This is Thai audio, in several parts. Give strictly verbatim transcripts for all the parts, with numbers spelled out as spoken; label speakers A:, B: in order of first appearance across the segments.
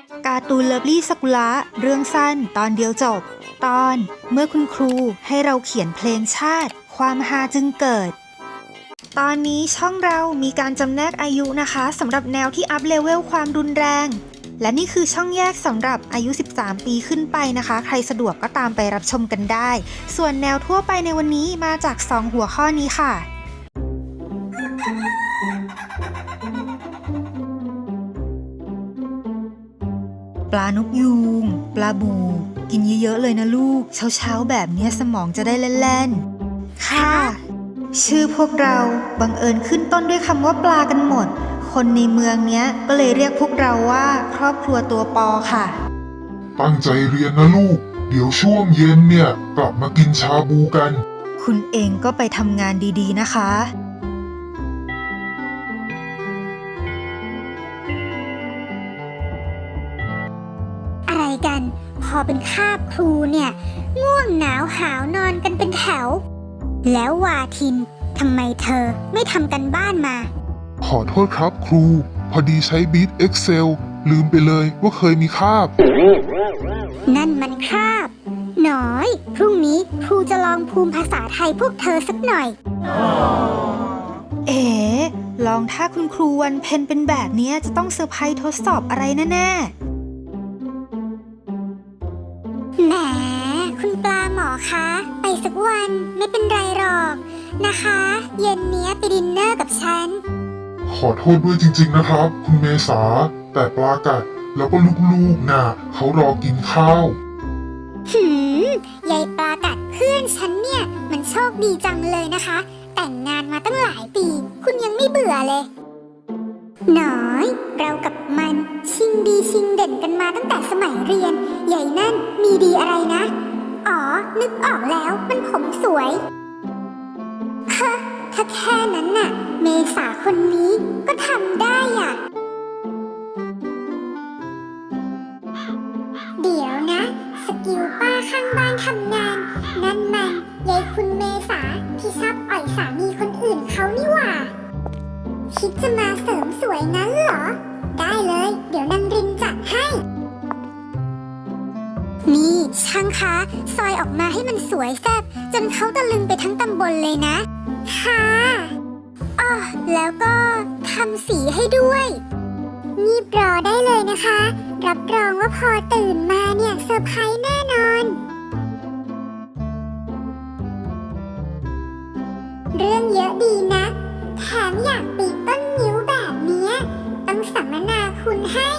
A: การ์ตูนเลิฟลี่สกุละเรื่องสั้นตอนเดียวจบตอนเมื่อคุณครูให้เราเขียนเพลงชาติความฮาจึงเกิดตอนนี้ช่องเรามีการจำแนกอายุนะคะสำหรับแนวที่อัพเลเวลความรุนแรงและนี่คือช่องแยกสำหรับอายุสิบสามปีขึ้นไปนะคะใครสะดวกก็ตามไปรับชมกันได้ส่วนแนวทั่วไปในวันนี้มาจากสองหัวข้อนี้ค่ะปลานกยูงปลาบูกินเยอะๆเลยนะลูกเช้าๆแบบนี้สมองจะได้เล่นๆค่ะชื่อพวกเราบังเอิญขึ้นต้นด้วยคำว่าปลากันหมดคนในเมืองเนี้ยก็เลยเรียกพวกเราว่าครอบครัวตัวปอค่ะ
B: ตั้งใจเรียนนะลูกเดี๋ยวช่วงเย็นเนี่ยกลับมากินชาบูกัน
A: คุณเองก็ไปทำงานดีๆนะคะ
C: อะไรกันพอเป็นคาบครูเนี่ยง่วงหนาวหาวนอนกันเป็นแถวแล้ววาทินทำไมเธอไม่ทำกันบ้านมา
B: ขอโทษครับครูพอดีใช้บีท Excel ลืมไปเลยว่าเคยมีคาบ
C: นั่นมันคาบหน้อยพรุ่งนี้ครูจะลองภูมิภาษาไทยพวกเธอสักหน่อย
A: เอ๋ลองถ้าคุณครูวันเพ็ญเป็นแบบนี้จะต้องเซอร์ไพรส์ทดสอบอะไรแน่ๆ
C: แหมคุณปลาหมอคะไปสักวันไม่เป็นไรหรอกนะคะเย็นเนี้ยไปดินเนอร์กับฉัน
B: ขอโทษด้วยจริงๆนะครับคุณเมษาแต่ปลากัดแล้วก็ลูกๆน่ะเขารอกินข้าว
C: หืมยายปลากัดเพื่อนฉันเนี่ยมันโชคดีจังเลยนะคะแต่งงานมาตั้งหลายปีคุณยังไม่เบื่อเลยน้อยเรากับมันชิงดีชิงเด่นกันมาตั้งแต่สมัยเรียนใหญ่นั่นมีดีอะไรนะอ๋อนึกออกแล้วมันผมสวยฮะถ้าแค่นั้นน่ะเมษาคนนี้ก็ทำได้อ่ะเดี๋ยวนะสกิลป้าข้างบ้านทำงานนั่นมันยายคุณเมษาที่ชอบอ่อยสามีคนอื่นเขานี่หว่าคิดจะมาเสริมสวยงั้นเหรอได้เลยเดี๋ยวนางรินจัดให้นี่ช่างคะซอยออกมาให้มันสวยแซ่บจนเขาตะลึงไปทั้งตำบลเลยนะค่ะอ๋อแล้วก็ทำสีให้ด้วยงีบรอได้เลยนะคะรับรองว่าพอตื่นมาเนี่ยเซอร์ไพรส์แน่นอนเรื่องเยอะดีนะแถมอยากปีกต้นนิ้วแบบนี้ต้องสัมมนาคุณให้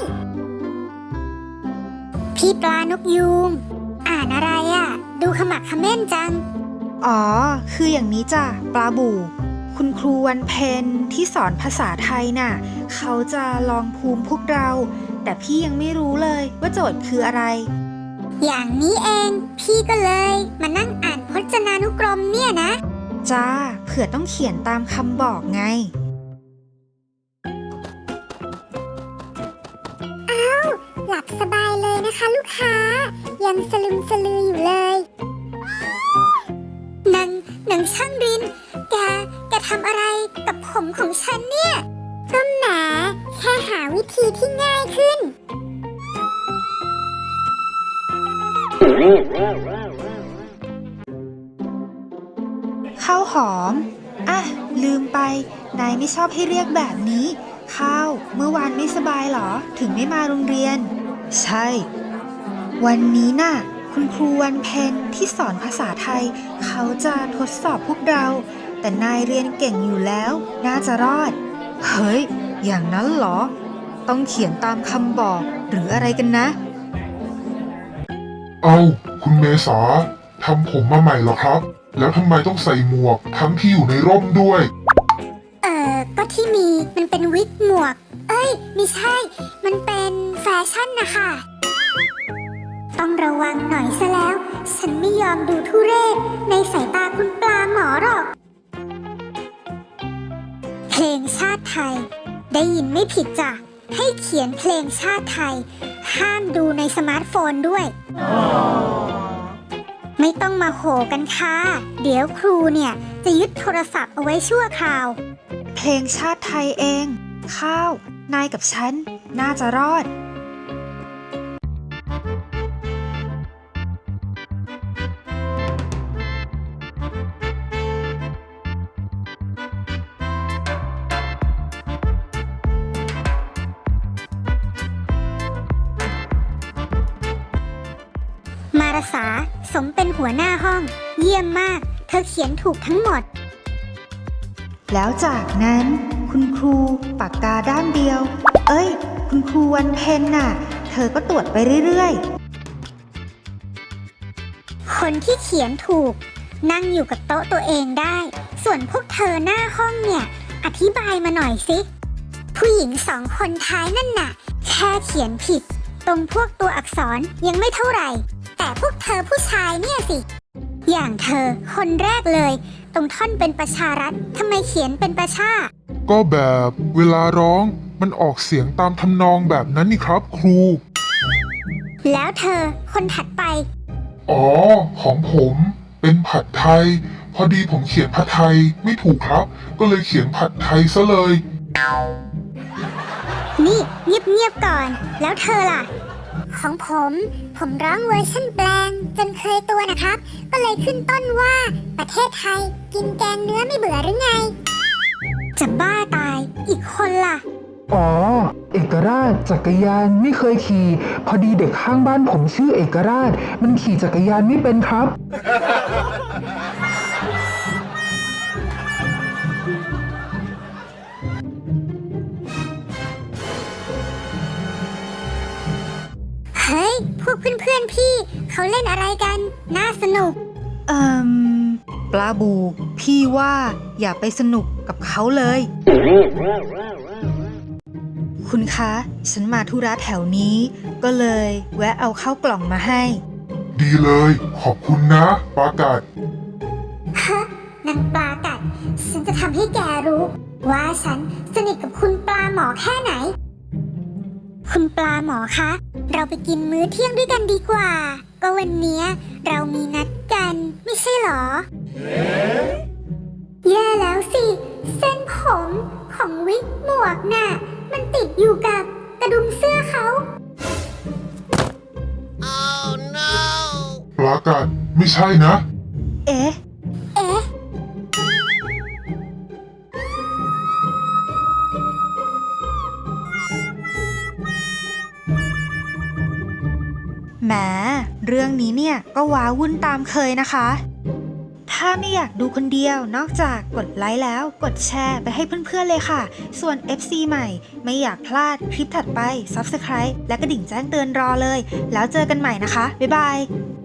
C: พี่ปลานกยูงอ่านอะไรอ่ะดูขมักเขม้นจัง
A: อ๋อคืออย่างนี้จ้ะปลาบูคุณครูวันเพ็ญที่สอนภาษาไทยน่ะเขาจะลองภูมิพวกเราแต่พี่ยังไม่รู้เลยว่าโจทย์คืออะไร
C: อย่างนี้เองพี่ก็เลยมานั่งอ่านพจนานุกรมเนี่ยนะ
A: จ้าเผื่อต้องเขียนตามคำบอกไง
C: อ้าวหลับสบายเลยนะคะลูกค้ายังสลึมสลืออยู่เลยนางนางช่างรินแกแกทำอะไรกับผมของฉันเนี่ยก็แหมแค่หาวิธีที่ง่ายขึ้น
A: ข้าวหอมอ่ะลืมไปนายไม่ชอบให้เรียกแบบนี้ข้าวเมื่อวานไม่สบายเหรอถึงไม่มาโรงเรียนใช่วันนี้น่ะคุณครูวันเพ็ญที่สอนภาษาไทยเขาจะทดสอบพวกเราแต่นายเรียนเก่งอยู่แล้วน่าจะรอดเฮ้ยอย่างนั้นเหรอต้องเขียนตามคำบอกหรืออะไรกันนะ
B: เอ้าคุณเมษาทำผมมาใหม่เหรอครับแล้วทำไมต้องใส่หมวกทั้งที่อยู่ในร่มด้วย
C: เออก็ที่มีมันเป็นวิกหมวกเอ้ยไม่ใช่มันเป็นแฟชั่นนะคะต้องระวังหน่อยซะแล้วฉันไม่ยอมดูทุเรศในสายตาคุณปลาหมอหรอกเพลงชาติไทยได้ยินไม่ผิดจ้ะให้เขียนเพลงชาติไทยห้ามดูในสมาร์ทโฟนด้วย ไม่ต้องมาโหกันค่ะเดี๋ยวครูเนี่ยจะยึดโทรศัพท์เอาไว้ชั่วคราว
A: เพลงชาติไทยเองข้าวนายกับฉันน่าจะรอด
C: าษาสมเป็นหัวหน้าห้อง เยี่ยมมาก เธอเขียนถูกทั้งหมด
A: แล้วจากนั้นคุณครูปากกาด้ามเดียว เอ้ย คุณครูวันเพ็ญน่ะ เธอก็ตรวจไปเรื่อยๆ
C: คนที่เขียนถูก นั่งอยู่กับโต๊ะตัวเองได้ ส่วนพวกเธอหน้าห้องเนี่ย อธิบายมาหน่อยสิ ผู้หญิงสองคนท้ายนั่นน่ะ แค่เขียนผิด ตรงพวกตัวอักษรยังไม่เท่าไหร่ แต่พวกเธอผู้ชายเนี่ยสิ อย่างเธอคนแรกเลย ตรงท่อนเป็นประชารัฐทำไมเขียนเป็นประชา
B: ก็แบบเวลาร้องมันออกเสียงตามทำนองแบบนั้นนี่ครับครู
C: แล้วเธอคนถัดไป
B: อ๋อ ของผมเป็นผัดไทย พอดีผมเขียนผัดไทยไม่ถูกครับ ก็เลยเขียนผัดไทยซะเลย
C: นี่เงียบๆก่อน แล้วเธอล่ะ ของผม ผมร้องเวอร์ชันแปลงจนเคยตัวนะครับ ก็เลยขึ้นต้นว่าประเทศไทยกินแกงเนื้อไม่เบื่อหรือไง จะบ้าตายอีกคนล่ะ
D: อ๋อ เอกราชจักรยานไม่เคยขี่ พอดีเด็กข้างบ้านผมชื่อเอกราช มันขี่จักรยานไม่เป็นครับ
C: เฮ้ย พวกเพื่อนๆพี่ เขาเล่นอะไรกัน น่าสนุก
A: เอ่มปลาบู พี่ว่าอย่าไปสนุกกับเขาเลย คุณคะ ฉันมาธุระแถวนี้ ก็เลยแวะเอาข้าวกล่องมาให้
B: ดีเลย ขอบคุณนะปากัด
C: ฮะนางปลากัด ฉันจะทำให้แกรู้ ว่าฉันสนิทกับคุณปลาหมอแค่ไหน คุณปลาหมอคะ เราไปกินมื้อเที่ยงด้วยกันดีกว่า ก็วันเนี้ยเรามีนัดกัน ไม่ใช่หรอ แย่แล้วสิ เส้นผมของวิกหมวกน่ะ มันติดอยู่กับกระดุมเสื้อเขา
B: ปลากัดไม่ใช่นะ
A: เอ๊ะ
C: เอ๊ะ
A: แหม เรื่องนี้เนี่ยก็ว้าวุ่นตามเคยนะคะ ถ้าไม่อยากดูคนเดียวนอกจากกดไลค์แล้วกดแชร์ไปให้เพื่อนๆเลยค่ะ ส่วน เอฟ ซี ใหม่ไม่อยากพลาดคลิปถัดไป ซับสไครบ์ และกระดิ่งแจ้งเตือนรอเลย แล้วเจอกันใหม่นะคะ บ๊ายบาย